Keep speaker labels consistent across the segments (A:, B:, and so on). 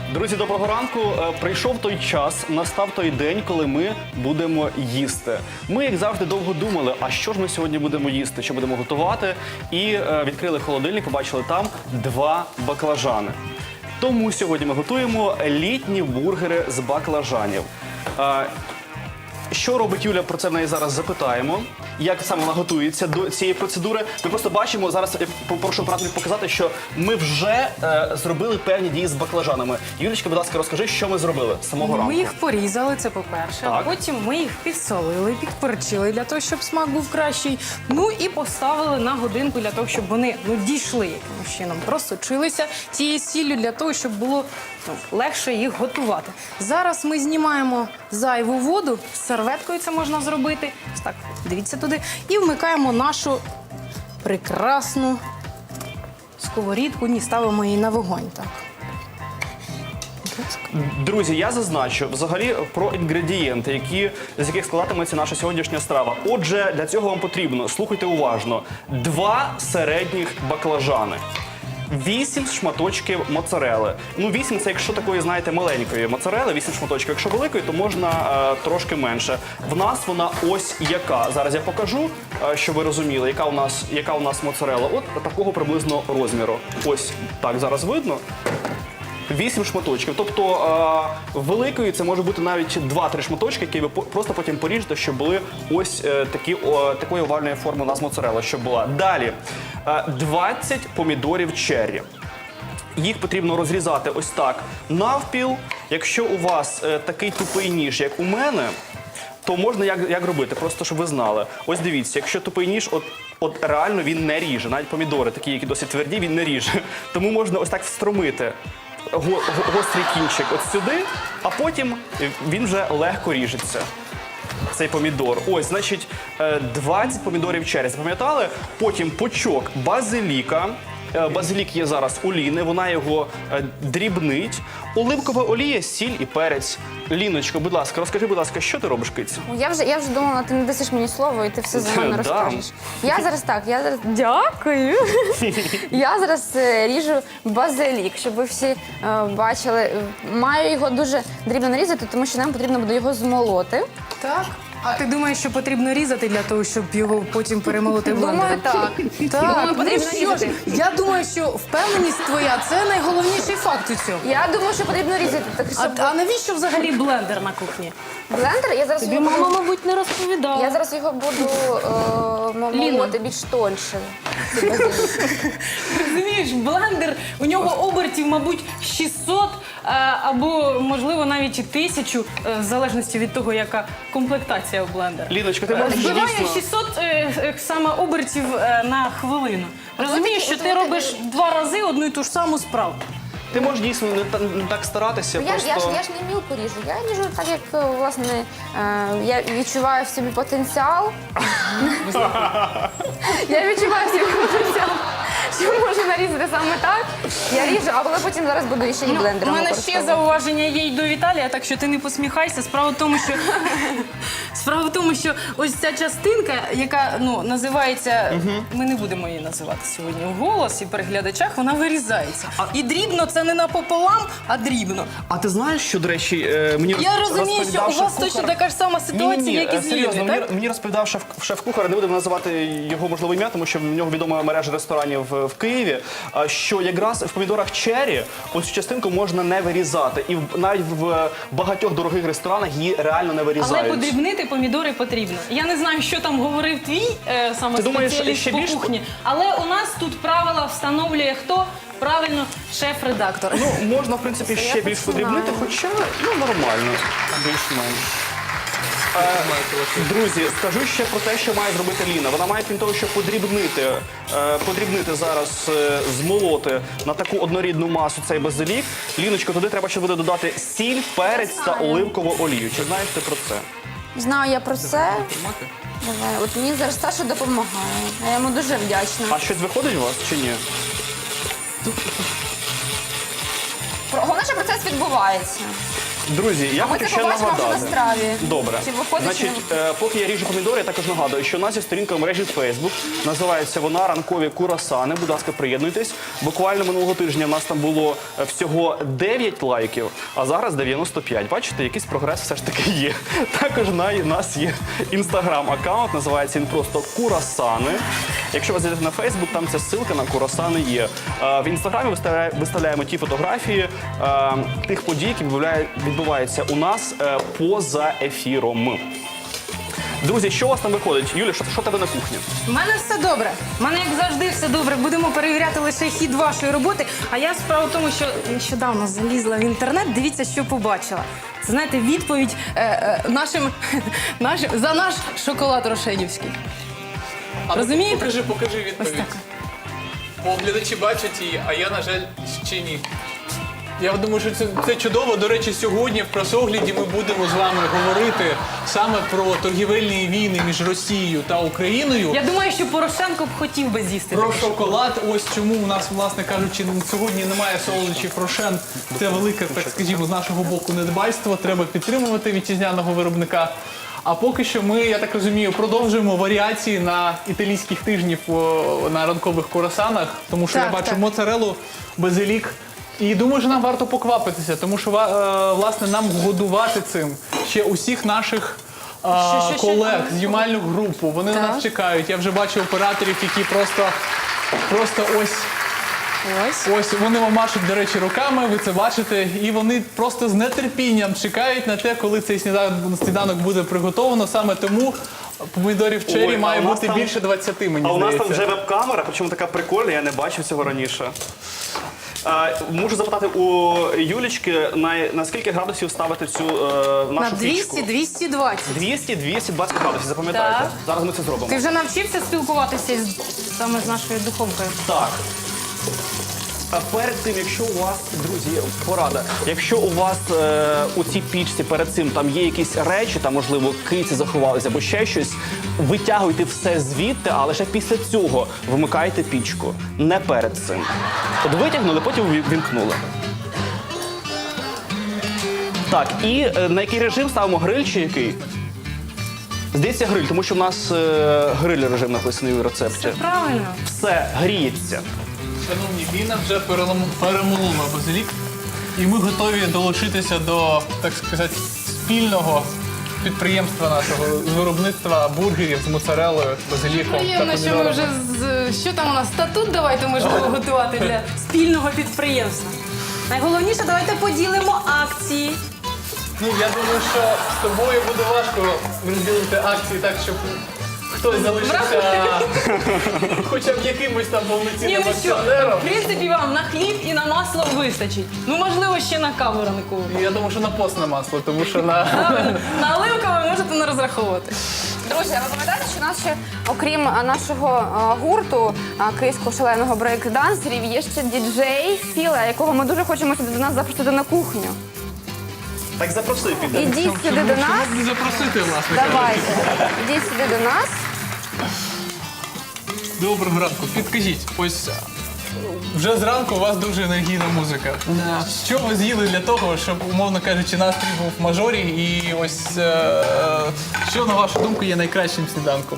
A: Друзі, доброго ранку. Прийшов той час, настав той день, коли ми будемо їсти. Ми, як завжди, довго думали, а що ж ми сьогодні будемо їсти, що будемо готувати. І відкрили холодильник, побачили там 2 баклажани. Тому сьогодні ми готуємо літні бургери з баклажанів. Що робить Юля, про це в неї зараз запитаємо. Як саме вона готується до цієї процедури. Ми просто бачимо, зараз я попрошу операторів показати, що ми вже зробили певні дії з баклажанами. Юлічка, будь ласка, розкажи, що ми зробили з самого ранку.
B: Ми їх порізали, це по-перше.
A: Так.
B: Потім ми їх підсолили, підперчили для того, щоб смак був кращий. Ну і поставили на годинку для того, щоб вони дійшли якимось чином. Просочилися цією сіллю для того, щоб було легше їх готувати. Зараз ми знімаємо зайву воду, з серветкою це можна зробити. Ось так, дивіться туди. І вмикаємо нашу прекрасну сковорідку. Ні, ставимо її на вогонь. Так.
A: Друзі, я зазначу взагалі про інгредієнти, з яких складатиметься наша сьогоднішня страва. Отже, для цього вам потрібно, слухайте уважно, 2 середніх баклажани. 8 шматочків моцарели. Ну, 8 – це якщо такої, знаєте, маленької моцарели, 8 шматочків. Якщо великої, то можна трошки менше. В нас вона ось яка. Зараз я покажу, щоб ви розуміли, яка у нас моцарела. От такого приблизно розміру. Ось так зараз видно. 8 шматочків. Тобто великою це може бути навіть 2-3 шматочки, які ви просто потім поріжете, щоб були ось такої овальної форми у нас моцарела, щоб була. Далі 20 помідорів черрі. Їх потрібно розрізати ось так навпіл. Якщо у вас такий тупий ніж, як у мене, то можна як робити, просто щоб ви знали. Ось дивіться, якщо тупий ніж, от реально він не ріже. Навіть помідори, такі, які досить тверді, він не ріже. Тому можна ось так встромити гострий кінчик от сюди, а потім він вже легко ріжеться, цей помідор. Ось, значить, 20 помідорів черрі, запам'ятали? Потім пучок базиліка. Базилік є зараз у Ліни, вона його дрібнить. Оливкова олія, сіль і перець. Ліночко, будь ласка, розкажи, будь ласка, що ти робиш, кицю?
C: Я вже думала, ти не дасиш мені слово, і ти все за мене розкажеш. Я зараз дякую. Я зараз ріжу базилік, щоб ви всі бачили. Маю його дуже дрібно нарізати, тому що нам потрібно буде його змолоти.
B: Так. А ти думаєш, що потрібно різати для того, щоб його потім перемолоти блендером?
C: Думаю, так.
B: Так,
C: потрібно
B: ну що ж,
C: різати.
B: я думаю, що впевненість твоя – це найголовніший факт у цьому.
C: Я думаю, що потрібно різати. Так, щоб...
B: А навіщо взагалі блендер на кухні?
C: Блендер, я зараз
B: Тобі
C: його
B: мама,
C: буду...
B: мабуть, не розповідала.
C: Я зараз його буду молоти більш тоньше.
B: Розумієш, блендер, у нього обертів, мабуть, 600 або, можливо, навіть і 1000, в залежності від того, яка комплектація у блендера.
A: Ліночка, ти можеш
B: Збиває
A: дійсно...
B: 600 саме обертів на хвилину. Розумієш, що ти робиш 2 рази одну і ту ж саму справу.
A: Ти можеш дійсно не так старатися,
C: Я ж не мілко ріжу, я ріжу так, як, власне, я відчуваю в собі потенціал. Я відчуваю в собі потенціал, що можу нарізати саме так. Я ріжу, а коли потім зараз буду ще і блендером
B: У мене ще
C: використовувати.
B: зауваження є й до Віталія, так що ти не посміхайся. Справа в тому, що ось ця частинка, яка називається, ми не будемо її називати сьогодні вголос і при глядачах, вона вирізається. І дрібно це не напополам, а дрібно.
A: А ти знаєш, що, до речі, мені
B: Я розумію, що
A: розповідав
B: у вас
A: шеф-кухар-
B: точно така ж сама ситуація, як і з
A: серйозно,
B: Ліною, так?
A: мені розповідав шеф-кухар, не будемо називати його, можливо, ім'я, тому що в нього відома мережа ресторанів в Києві, що якраз в помідорах черрі ось цю частинку можна не вирізати. І навіть в багатьох дорогих ресторанах її реально не вирізають.
B: Але подрібнити помідори потрібно. Я не знаю, що там говорив твій саме
A: Ти думаєш,
B: спеціаліст
A: ще
B: по
A: більш-
B: кухні, але у нас тут правила встановлює хто? Правильно, шеф-редактор.
A: Ну, можна, в принципі, ще більш подрібнити, хоча, нормально, більш-менш. Друзі, скажу ще про те, що має зробити Ліна. Вона має, крім того, що подрібнити зараз, змолоти на таку однорідну масу цей базилік. Ліночко, туди треба ще буде додати сіль, перець та оливкову олію. Чи знаєш ти про це?
C: Знаю я про це. Давай, от мені зараз Саша допомагає. Я йому дуже вдячна.
A: А щось виходить у вас чи ні?
C: Головне, що процес відбувається.
A: Друзі, я
C: Ми
A: хочу
C: це
A: ще
C: побачимо вже на
A: нагадати.
C: страві.
A: Добре.
C: Чи виходить,
A: Значить,
C: чи не
A: поки я ріжу помідори, я також нагадую, що у нас є сторінка в мережі Facebook. Називається вона «Ранкові курасани». Будь ласка, приєднуйтесь. Буквально минулого тижня в нас там було всього 9 лайків, а зараз 95. Бачите, якийсь прогрес все ж таки є. Також у нас є інстаграм-аккаунт, називається він просто «Курасани». Якщо ви зайдете на Facebook, там ця ссылка на курасани є. В інстаграмі виставляємо ті фотографії тих подій, які відбуваються у нас поза ефіром. Друзі, що у вас там виходить? Юля, що в тебе на кухні?
B: У мене все добре. У мене, як завжди, все добре. Будемо перевіряти лише хід вашої роботи. А я справа в тому, що нещодавно залізла в інтернет, дивіться, що побачила. Це, знаєте, відповідь за наш шоколад рошенівський. Розумієте?
D: Покажи
B: Ось
D: відповідь.
B: так.
D: Бо глядачі бачать її, а я, на жаль, ще ні. Я думаю, що це чудово. До речі, сьогодні в пресогляді ми будемо з вами говорити саме про торгівельні війни між Росією та Україною.
B: Я думаю, що Порошенко б хотів би з'їсти.
D: Про шоколад, ось чому у нас, власне кажучи, сьогодні немає солодощів Рошен. Це велике, так скажімо, з нашого боку недбайство. Треба підтримувати вітчизняного виробника. А поки що ми, я так розумію, продовжуємо варіації на італійських тижнів на ранкових курасанах, тому що
B: Так,
D: я бачу
B: так.
D: моцарелу, базилік. І думаю, що нам варто поквапитися, тому що, власне, нам годувати цим ще усіх наших
B: Що?
D: колег, знімальну групу. Вони на
B: Так.
D: нас чекають. Я вже бачу операторів, які просто ось вони вам машуть, до речі, руками, ви це бачите, і вони просто з нетерпінням чекають на те, коли цей сніданок буде приготовано. Саме тому помідорів
A: Ой,
D: черрі
A: а
D: має
A: у нас
D: бути
A: там-
D: більше 20, мені
A: А у нас
D: здається.
A: там вже веб-камера, причому така прикольна, я не бачив цього раніше. Можу запитати у Юлічки, на скільки градусів ставити цю
B: На
A: нашу пічку?
B: 200-220.
A: 200-220 градусів, запам'ятайте.
B: Так.
A: Зараз ми це зробимо.
B: Ти вже навчився спілкуватися саме з нашою духовкою?
A: Так. А перед тим, якщо у вас, друзі, порада, якщо у вас у цій пічці перед цим там є якісь речі, там, можливо, киці заховалися або ще щось, витягуйте все звідти, а лише після цього вимикайте пічку. Не перед цим. От витягнули, потім вімкнули. Так, і на який режим ставимо гриль чи який? Здається, гриль, тому що в нас гриль режим написаний у рецепті.
B: Правильно.
A: Все гріється.
D: Шановні, Ліна вже перемолола базилік, і ми готові долучитися до, так сказати, спільного підприємства нашого з виробництва бургерів з моцарелою, базиліком та
B: Приємно, що ми
D: помідорами.
B: вже що там у нас статут давайте можемо готувати для спільного підприємства. Найголовніше, давайте поділимо акції.
D: Ну, я думаю, що з тобою буде важко розділити акції так, щоб хтось залишився хоча б якимось там
B: Ні,
D: повноцінним
B: ну що,
D: акціонером.
B: в принципі, вам на хліб і на масло вистачить. Ну, можливо, ще на каву ранкову.
D: Я думаю, що на постне масло, тому що на...
B: На оливкове можете не розраховувати.
C: Друзі, а ви пам'ятаєте, що у нас ще, окрім нашого гурту київського шаленого брейк-дансерів, є ще діджей Філа, якого ми дуже хочемо сюди до нас запросити на кухню.
A: Так запроси піде.
C: Ідіть сюди до нас.
D: Чому б не запросити, власне кажучи.
C: Давайте. Ідіть сюди до нас.
D: Доброго ранку. Підкажіть, ось вже зранку у вас дуже енергійна музика. Що ви з'їли для того, щоб, умовно кажучи, настрій був в мажорі? І ось що, на вашу думку, є найкращим сніданком?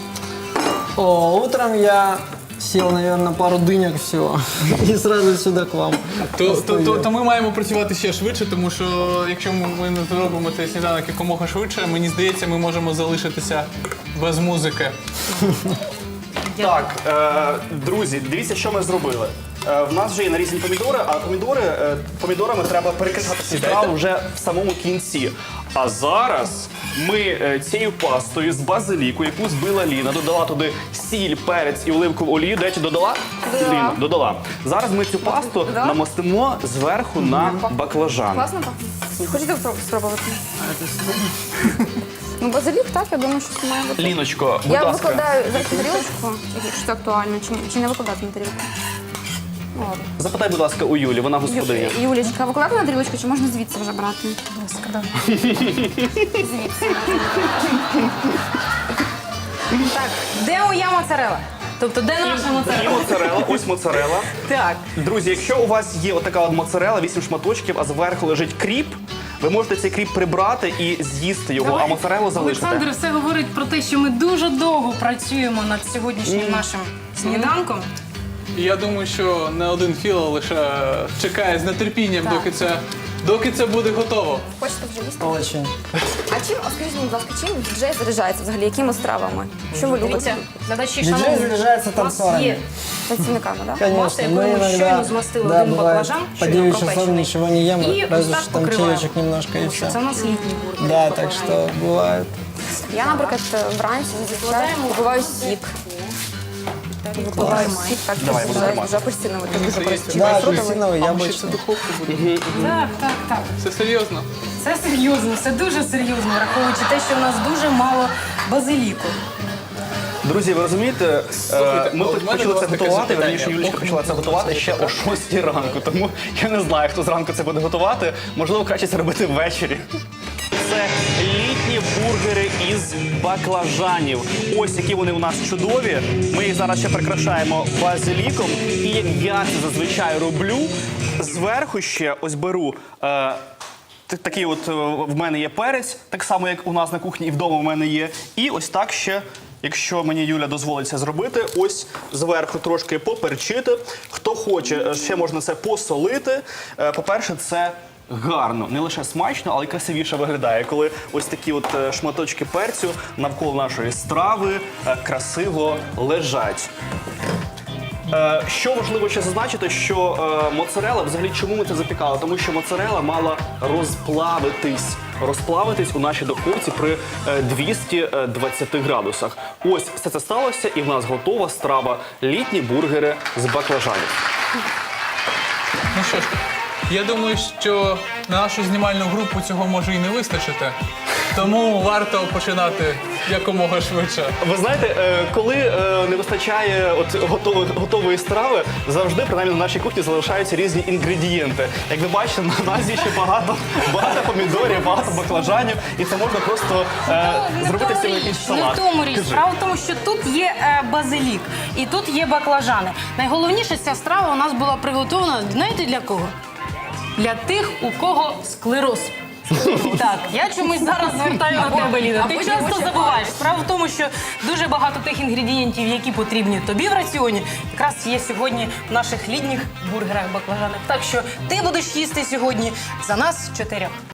E: Утром я съел, наверное, пару дынек всего и сразу сюда к вам.
D: То ми маємо працювати ще швидше, тому що якщо ми не зробимо цей сніданок якомога швидше, мені здається, ми можемо залишитися без музики.
A: Так, друзі, дивіться, що ми зробили. В нас вже є нарізані помідори, а помідорами треба перекидати цю страву вже в самому кінці. А зараз ми цією пастою з базиліку, яку збила Ліна, додала туди сіль, перець і оливкову олію. До речі, додала?
C: Додала.
A: Ліна, додала. Зараз ми цю пасту
C: Додала?
A: намастимо зверху на баклажан.
C: Класно пахне? Хочете спробувати? Ну, базилік, так, я думаю, що це має бути.
A: Ліночко, будь
C: Я
A: ласка.
C: викладаю зараз на тарілочку, якщо це актуально, чи не викладати на тарілку? Ну, ладно.
A: Запитай, будь ласка, у Юлі, вона господиня.
C: Юлічка, викладати на тарілочку, чи можна звідси вже брати? Будь ласка, да. Звідси.
B: Так, де моя моцарела? Тобто, де наша
A: І
B: моцарела?
A: моцарела, ось моцарела.
B: Так.
A: Друзі, якщо у вас є отака от моцарела, 8 шматочків, а зверху лежить кріп, ви можете цей кріп прибрати і з'їсти його, а моцарелу залишити.
B: Олександр все говорить про те, що ми дуже довго працюємо над сьогоднішнім нашим сніданком.
D: І я думаю, що не один Філо лише чекає з нетерпінням, доки це буде готово.
C: Хочете вже їсти?
E: Очень.
C: А чим, скажіть, будь ласка, чим діджей заряджається взагалі? Якими стравами? Що ви любите?
B: Дивіться, глядачі,
E: Диджей
B: шановні,
E: заряджається
B: у нас
E: танцорами.
B: є
C: Танцівниками, так?
E: Конечно,
B: Масло, якою ми щойно змастили
E: да,
B: один
E: бывает,
B: баклажан,
E: по
B: щойно
E: 9 часов
B: пропечений.
E: ничего не ем,
B: І ось
E: разве
B: так
E: что там
B: покриваємо.
E: чаечек немножко и
B: Тому що
E: все.
B: це у нас літній бургер.
E: Да, так что бывает.
C: Я, наприклад, вранці зазвичай випиваю сік. Випиваю сік, так,
A: Давай,
C: дуже
A: будемо
C: дуже апельсиновий, це дуже прості.
E: Да,
C: фруктовий.
E: апельсиновый,
D: А ще це
E: яблочный.
D: духовка буде.
B: Так.
D: Це серйозно.
B: Це серйозно, це дуже серйозно, враховуючи те, що у нас дуже мало базиліку.
A: Друзі, ви розумієте, ми
D: от в мене
A: почали
D: до
A: це
D: вас таке
A: готувати,
D: запитання.
A: верніше, Юлічка почала це готувати ще о 6 ранку, тому я не знаю, хто зранку це буде готувати. Можливо, краще це робити ввечері. Це літні бургери із баклажанів. Ось які вони у нас чудові. Ми їх зараз ще прикрашаємо базиліком. І як я це зазвичай роблю, зверху ще ось беру. Такий от в мене є перець, так само, як у нас на кухні і вдома в мене є. І ось так ще, якщо мені Юля дозволить це зробити, ось зверху трошки поперчити. Хто хоче, ще можна це посолити. По-перше, це гарно, не лише смачно, але й красивіше виглядає, коли ось такі от шматочки перцю навколо нашої страви красиво лежать. Що важливо ще зазначити, що моцарелла, взагалі чому ми це запікали? Тому що моцарелла мала розплавитись у нашій духовці при 220 градусах. Ось все це сталося, і в нас готова страва літні бургери з баклажанів.
D: Ну що ж, я думаю, що на нашу знімальну групу цього може і не вистачити. Тому варто починати якомога швидше.
A: Ви знаєте, коли не вистачає готової страви, завжди, принаймні на нашій кухні, залишаються різні інгредієнти. Як ви бачите, на нас є ще багато помідорів, багато баклажанів, і це можна просто зробити з цим якийсь
B: Не в
A: салат.
B: тому річ.
A: Кажи.
B: Справа в тому, що тут є базилік і тут є баклажани. Найголовніше, ця страва у нас була приготована, знаєте, для кого? Для тих, у кого склероз. Так, я чомусь зараз звертаю на тебе, Ліна. Ти часто забуваєш. Справа в тому, що дуже багато тих інгредієнтів, які потрібні тобі в раціоні, якраз є сьогодні в наших літніх бургерах баклажанах. Так що ти будеш їсти сьогодні за нас 4.